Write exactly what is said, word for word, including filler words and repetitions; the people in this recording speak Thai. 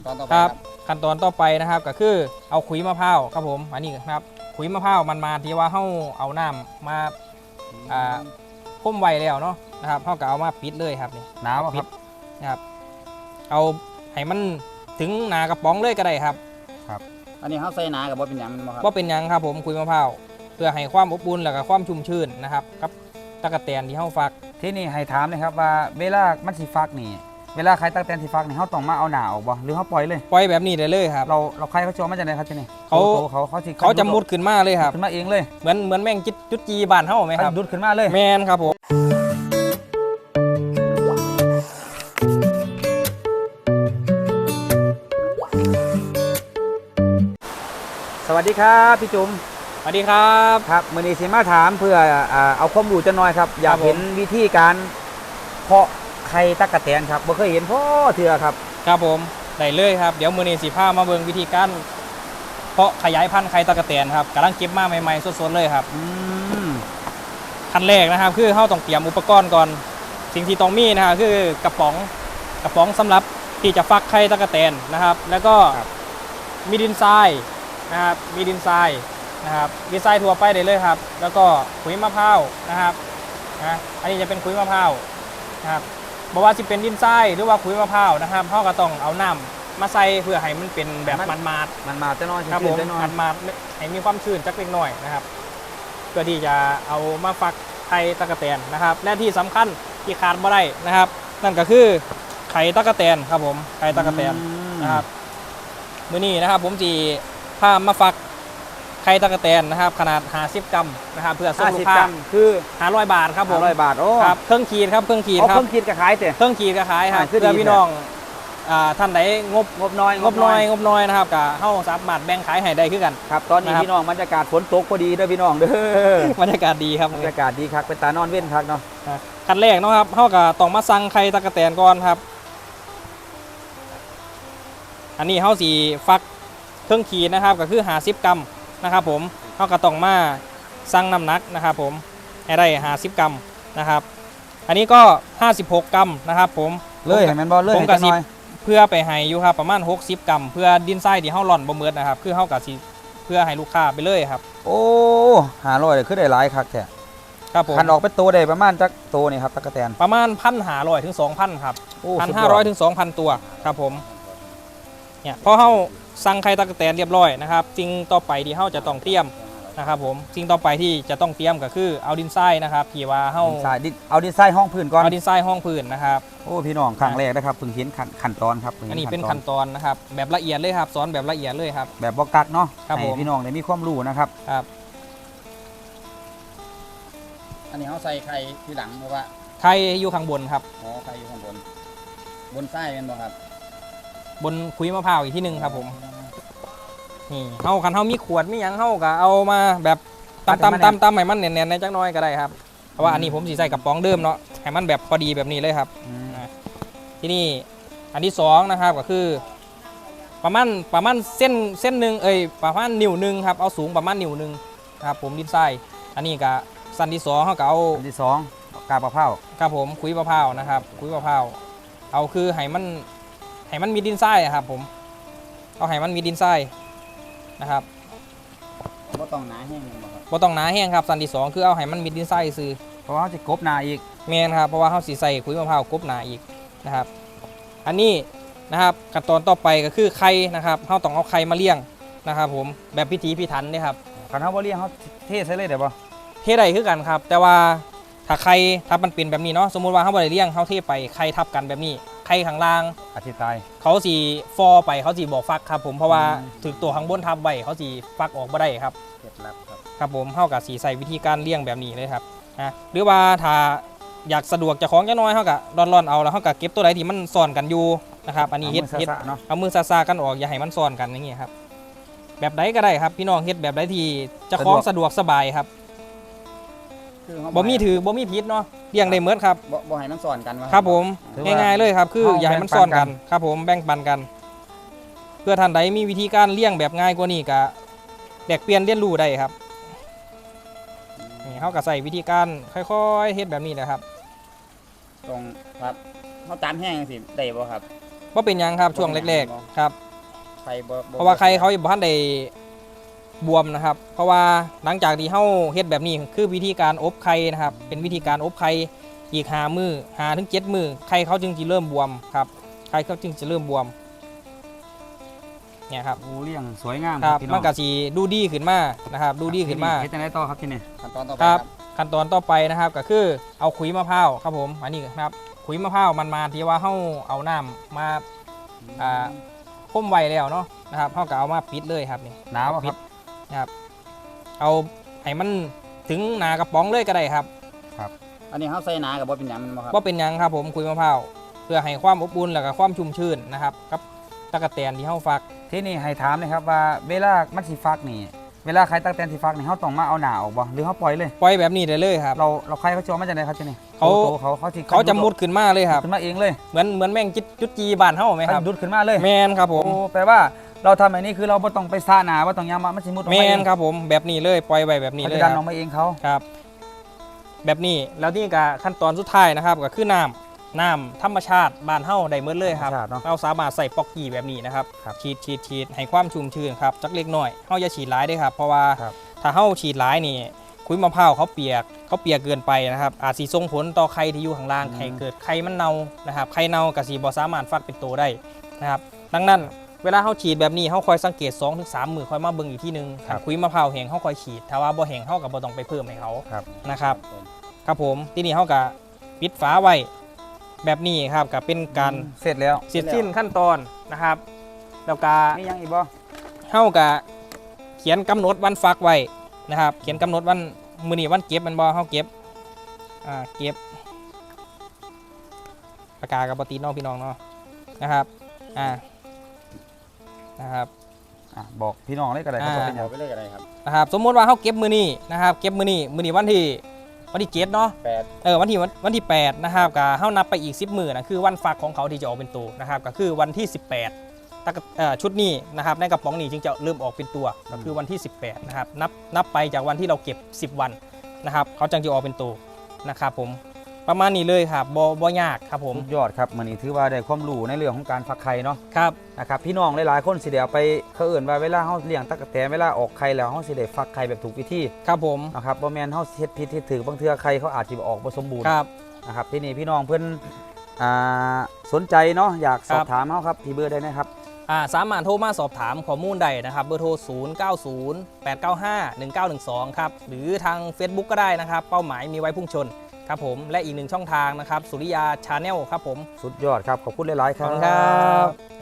ตอนต่อไปคครัรับบ ขั้นตอนต่อไปนะครับก็คือเอาขุยมะพร้าวครับผมอันนี้ครับขุยมะพร้าวมันมาที่ว่าเฮาเอาน้ำมาอ่าพ่มไว้แล้วเนาะนะครับเฮาก็เอามาปิดเลยครับนี่หนาวอะครับนะครับเอาให้มันถึงหนากระป๋องเลยก็ได้ครับอันนี้เขาใส่หนากับบ่เป็นหยังแมันบ่ครับว่าเป็นหยังครับผมขุยมะพร้าวเพื่อให้ความอบอุ่นแล้วก็ความชุ่มชื้นนะครับกับตะกะแตนที่เฮาฟักที่นี่ให้ถามนะครับว่าเวลามันสิฟักนี่เวลาใครตั้งแต่สิฟักนี่เขาต้องมาเอาหนาออกบ่หรือเขาปล่อยเลยปล่อยแบบนี้ได้เลยครับเราเราใครเขาจะเอามาจากไหนครับที่นี่เขาโตเขาเขาสิเขาจะมุดขึ้นมาเลยครับขึ้นมาเองเลยเหมือนเหมือนแม่งจิจุดจีบ้านเฮาไหมครับเขาดุดขึ้นมาเลยแมนครับผมสวัสดีครับพี่จุ๋มสวัสดีครับครับมือนี้สิมาถามเพื่ออ่าเอาความรู้จะน้อยครับอยากครับผมเห็นวิธีการเพาะไข่ตั๊กแตนครับบ่เคยเห็นพ่อเถื่อครับครับผมได้เลยครับเดี๋ยวมือนี้สิพามาเบิ่งวิธีการเพาะขยายพันธุ์ไข่ตะกะแตนครับกำลังเก็บมาใหม่ๆสดๆเลยครับอืมขั้นแรกนะครับคือเฮาต้องเตรียมอุปกรณ์ก่อนสิ่งที่ต้องมีนะครับคือกระป๋องกระป๋องสำหรับที่จะฟักไข่ตะกะแตนนะครับ แล้วก็มีดินทรายนะครับมีดินทรายนะครับดินทรายทั่วไปได้เลยครับ แล้วก็ขุยมะพร้าวนะครับนะอันนี้จะเป็นขุยมะพร้าวนะครับบอกว่าจะเป็นดินทรายหรือว่าขุยมะพร้าวนะครับเฮาก็ต้องเอาน้ำมาใส่เพื่อให้มันเป็นแบบมันมาดมันมาจะน้อยๆครับผมจะน้อยมันมาดให้มีความชื้นจักเล็กน้อยนะครับเพื่อที่จะเอามาฟักไข่ตะกะแตนนะครับ และที่สำคัญที่ขาดไม่ได้นะครับ นั่นก็คือไข่ตะกะแตนครับผมไข่ตะกะแตนอืมนะครับมื้อนี้นะครับผมจีพามาฟักไข่ตะกะแตนนะครับ ขนาดห้าสิบกรัมนะครับเพื่อส่งห้าลูสิบกค้ากรัมคือห้าร้อยบาทครับผมห้าร้อยบาทโอ้ครับเครื่องขีดครับเครื่องขีดเอาครัเคบรื่องคิดกับขายเตะเครื่องขีดก็ขายครับอ่าคือดีเพื่อพี่น้องอ่าท่านใดงบงบน้อยงบน้อยงบน้อยนะครับก็เฮาสามารถแบ่งขายให้ได้คือกันครับตอนนี้นะครับพี่น้องบรรยากาศฝนตกพอดีเด้อพี่น้องเด้อบรรยากาศดีครับบรรยากาศดีครับเป็นตานอนเว้นครับเนาะขั้นแรกเนาะครับเฮาก็ต้องมาสั่งไข่ตะกะแตนก่อนครับ อันนี้เฮาสิฟักเครื่องขีดนะครับก็คือห้าสิบกรัมนะครับผมเฮาก็ต้องมาสั่งน้ำหนักนะครับผมให้ได้ห้าสิบกรัมนะครับ อันนี้ก็ห้าสิบหกกรัมนะครับผมเลยเห็นแมนบอลเลยผมให้ก็จังสิน้อยเพื่อไปให้อยู่ครับประมาณหกสิบกรัมเพื่อดินทรายที่เฮาหล่อนบ่เมิดนะครับคือเฮาก็สิเพื่อให้ลูกค้าไปเลยครับโอ้หาร้อยเลยคือได้หลายคักแท้ครับผมคันออกเป็นตัวได้ประมาณจักตัวนี่ครับตะกะแตนประมาณพันหาร้อยถึงสองพันครับโอ้พันสุดห้าย ร้อยถึงสองพันตัวครับผมเนี่ยพอเฮาสั่งไข่ตะกะแตนเรียบร้อยนะครับสิ่งต่อไปที่เฮาจะต้องเตรียมนะครับผมสิ่งต่อไปที่จะต้องเตรียมก็คือเอาดินทรายนะครับที่ว่าเฮาดินทรายดินเอาดินทรายห้องพื้นก่อนเอาดินทรายห้องพื้นนะครับโอ้พี่น้องครั้งแรกนะครับเพิ่งเห็นขั้นขั้นตอนครับพิ่งอันห็นี้เป็นตขั้นตอนนะครับแบบละเอียดเลยครับสอนแบบละเอียดเลยครับแบบบอกกักเนาะครับให้ผมพี่น้องได้มีความรู้นะครับครับอันนี้เขาใส่ไข่ที่หลังเพราะว่าไข่อยู่ข้างบนครับอ๋อไข่อยู่ข้างบน บนไส้เป็นบ่ครับบนคุยมะพร้าวอีกที่หนึ่งครับผมนี่เฮาคันเฮามีขวดมีหยังเฮาก็เอามาแบบตำตำตำตำให้มันแน่นๆในจักหน้อยก็ได้ครับเพราะว่าอันนี้ผมสีใส่กับป๋องเดิมเนาะให้มันแบบพอดีแบบนี้เลยครับ ที่นี่อันที่สองนะครับก็คือประมาณประมาณเส้นเส้นหนึ่งเอ้ยประมาณนิ้วหนึ่งครับเอาสูงประมาณนิ้วหนึ่งครับผมดินทรายอันนี้ก็สั้นที่สองเขาก็เอาอันที่สองกาบมะพร้าวครับผมคุยมะพร้าวนะครับคุยมะพร้าวเอาคือให้มันให้มันมีดินทรายอะครับผมเอาให้มันมีดินทรายนะครับบ่ต้องหนาแห้งเป็นบ่ครับบ่ต้องหนาแห้งครับสั้นที่สองคือเอาให้มันมีดินทรายซื้อเพราะว่าเขาจะกบนาอีกแมนครับเพราะว่าเขาสีใส่คุยมะพร้าวกบหนาอีกนะครับ อันนี้นะครับขั้นตอนต่อไปก็คือไข่นะครับเขาต้องเอาไข่มาเลี้ยงนะครับผมแบบพิถีพิถันเนี่ยครับคันเขาบ่เลี้ยงเขาเทใส่เลยเดี๋ยวบ่เทได้คือกันครับ แต่ว่าถ้าไข่ถ้ามันเป็นแบบนี้เนาะสมมุติว่าเขาบ่ได้เลี้ยงเขาเทไปไข่ทับกันแบบนี้ไข่ข้างล่างอธิตายเขาสีฟอไปเขาสีบอกฟักครับผมเพราะว่าอืมถึงตัวข้างบนทับไว้เขาสีฟักออกบ่ได้ครับเคล็ดลับครับครับผมเข้ากับสีใส่วิธีการเลี้ยงแบบนี้เลยครับนะหรือว่าถ้าอยากสะดวกจะของจะน้อยเขากับร่อนๆเอาแล้วเขากับเก็บตัวใดที่มันซ่อนกันอยู่นะครับอันนี้เฮ็ดอามือเฮ็ดสะๆเนาะเอามือซาๆกันออกอย่าให้มันซ่อนกันอย่างนี้ครับแบบใดก็ได้ครับพี่น้องเฮ็ดแบบใดที่เจะคล้าของสะดวกสบายครับคือเขาบ่มีถือบ่มีพิษเนาะเลี้ยงได้เหมือนครับบ่บ่ให้มันสอนกันว่าครับผมถือว่าง่ายๆเลยครับคืออย่าให้มันซ่อนกันครับผมแบ่งปันกัน เพื่อท่านใดมีวิธีการเลี้ยงแบบง่ายกว่านี้ก็แลกเปลี่ยนเรียนรู้ได้ครับนี่เขาก็ใส่วิธีการค่อยๆเฮ็ดแบบนี้นะครับตรงครับเขาตามแห้งสิได้บ่ครับว่าเป็นหยังครับช่วงแรกๆครับไข่บ่บ่เพราะว่าใครเขาบ่ทันได้บวมนะครับ เพราะว่าหลังจากที่เฮาเฮ็ดแบบนี้คือวิธีการอบไข่นะครับเป็นวิธีการอบไข่อีกห้ามื้อห้าถึงเจ็ดมื้อไข่เขาจึงสิเริ่มบวมครับไข่เขาจึงจะเริ่มบวมเนี่ยครับโอ้เลี้ยงสวยงามครับพี่น้มัอน งก็สิดูดีขึ้นมานะครับดูดีขึ้นมาเฮ็ดจังได๋ต่อครับที่นี่ขั้นตอนต่อไปคครัรับบ ขั้นตอนต่อไปนะครับก็คือเอาขุยมะพร้าวครับผมอันนี้นะครับขุยมะพร้าวมันมาที่ว่าเฮาเอาน้ำมาอ่าพ่มไว้แล้วเนาะนะครับเฮาก็เอามาปิดเลยครับนี่หนาวบ่ครับนะครับเอาให้มันถึงหนากระป๋องเลยก็ได้ครับอันนี้เขาใส่หนากับบ่เป็นหยังแมันบ่ครับว่าเป็นหยังครับผมขุยมะพร้าวเพื่อให้ความอบอุ่นแล้วก็ความชุ่มชื้นนะครับกับตะกะแตนที่เฮาฟักที่นี่ให้ถามนะครับว่าเวลามันสิฟักนี่เวลาใครตักแตนสิฟักนี่เฮาต้องมาเอาหนาออกบ่หรือเฮาปล่อยเลยปล่อยแบบนี้ได้เลยครับเราเราใครเขาจะเอามาจากไหนครับที่นี่เขาโตๆเขาเขาสิเขาจะมุดขึ้นมาเลยครับขึ้นมาเองเลยเหมือนเหมือนแม่งจิจุดจีบ้านเฮาไหมครับเขาดุดขึ้นมาเลยแมนครับผมโอ้แปลว่าเราทำแบบนี้คือเราบ่ต้องไปซ่าหนาบ่ต้องยามมามันสิมุดออกแมมาเอน งครับผมแบบนี้เลยปล่อยไว้แบบนี้เขาเลยจะดันคอรัอบ กมาเองเขาครับ แบบนี้แล้วนี่ก็ขั้นตอนสุดท้ายนะครับก็คือน้ำน้ำธรรมชาติบ้านเฮาได้หมดเลยครับธรรมชาติเนาะเราสามารถใส่ป๊อกกี้แบบนี้นะครับครับฉีดฉีดฉีดให้ความชุ่มชื้นครับจักเล็กน้อยเฮาอย่าฉีดหลายเด้อครับ เพราะว่าครับถ้าเฮาฉีดหลายนี่คุยมะพร้าวเขาเปียกเขาเปียกเกินไปนะครับอาจสิส่งผลต่อไข่ที่อยู่ข้างล่างให้เกิดไข่มันเน่านะครับไข่เน่าก็สิบ่สามารถฟักเป็นโตได้นะครับดังนั้นเวลาเฮาฉีดแบบนี้เฮาคอยสังเกต สองถึงสาม มื้อค่อยมาเบิ่งอีกทีนึงครับคุยมะพร้าวแห้งเฮาคอยฉีดถ้าว่าบ่แห้งเฮาก็บ่ต้องไปเพิ่มให้เขาครับนะครับ ครับผมที่นี่เขาก็ปิดฝาไว้แบบนี้ครับก็เป็นการเสร็จแล้วเสร็จสิ้นขั้นตอนนะครับแล้วก็มียังอีกบ่เขาก็เขียนกำหนดวันฟักไว้นะครับเขียนกำหนดวันมื้อนี้วันเก็บมันบ่เขาเก็บอ่าเก็บปากกากับปตีน้องพี่น้องเนาะนะครับอ่านะครับอ่ะบอกพี่น้องเลยก็ได้ครับอ่าว่าเป็นหยัเอางไปเลยก็ได้ครับนะครับสมมติว่าเขาเก็บมื้อนี้นะครับเก็บมื้อนี้มื้อนี้วันที่วันที่เจ็ดเนาะแปดเออวันที่วันวันที่แปดนะครับก็เฮานับไปอีกสิบมื้อนะคือวันฟักของเขาที่จะออกเป็นตัวนะครับก็คือวันที่สิบแปดตะกะเอ่อชุดนี้นะครับในกระป๋องนี้จึงจะเริ่มออกเป็นตัวก็คือวันที่สิบแปดนะครับนับนับไปจากวันที่เราเก็บสิบวันนะครับเขาจึงจะออกเป็นตัวนะครับผมประมาณนี้เลยครับบ่บ่ยากครับผมสุดยอดครับมื้อนี้ถือว่าได้ความรู้ในเรื่องของการฟักไข่เนาะครับนะครับพี่น้องหลายๆคนสิได้เอาไปเขาเอื่นว่าเวลาเฮาเลี้ยงตั๊กแตนเวลาออกไข่แล้วเฮาสิได้ฟักไข่แบบถูกวิธีครับผมนะครับบ่แม่นเฮาเฮ็ดผิดเฮ็ดถูกบางเทื่อไข่เขาอาจสิบ่ออกบ่สมบูรณ์ครับนะครับที่นี่พี่น้องเพิ่นอ่าสนใจเนาะอยากสอครับ บถามเฮาครับที่เบอร์ได้นะครับอ่าสามารถโทรมาสอบถามข้อมูลได้นะครับเบอร์โทร ศูนย์ เก้า ศูนย์ แปด เก้า ห้า หนึ่ง เก้า หนึ่ง สอง ครับหรือทาง Facebook ก็ได้นะครับเป้าหมายมีไว้พุ่งชนครับผมและอีกหนึ่งช่องทางนะครับสุริยาชาแนลครับผมสุดยอดครับขอบคุณหลายๆคขอบรับคุณครับ